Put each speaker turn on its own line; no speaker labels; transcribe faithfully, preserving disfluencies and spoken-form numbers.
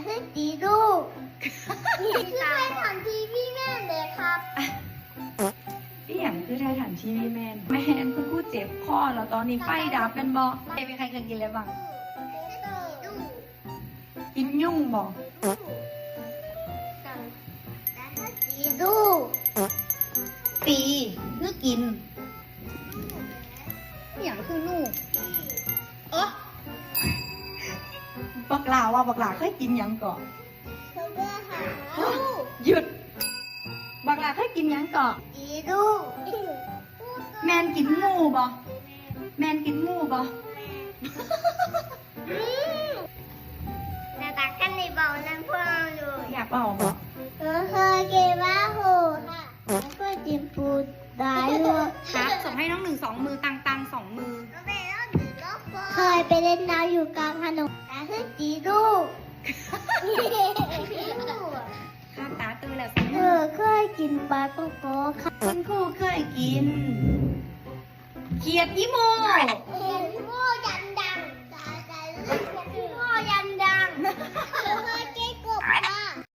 คือจีดูนี่คือไทยทันทีพี่แม่เลยครับ
พี่อย่างคือไทยถันทีวีแมนแม่นคือกู้เจ็บคอแล้วตอนนี้ไฟดับเป็นบอใครเป็นใครเคยกินอะไรบ้างกินยุ่งบอก
จีดู
ปีคือกินอหย่างคือนู่เออบักหลาว่าบักหลาเคยกินหยังก่อน
เขาเลือกหา
หยุดบักหลาเคยกินหยังก่อน
จีดู
แมนกินงูบ่แมนกินงูบ่
หน้าตากันในเบานั่นพวกเราอยู่
อยากเอาบ่
เออเคยกินว่าโหค่ะเคยกินปูได้ด้วย
ครับส่งให้น้องหนึ่งสองมือตังตังสองมือ
เคยไปเล่นน้ำอยู่กลางถนนแต่คือจีดู
ข้าตาตื้อแล้ว
เออเคยกินปลาโกโก้ค่ะ
คุณครูเคยกินเขียดยี่โม
เอ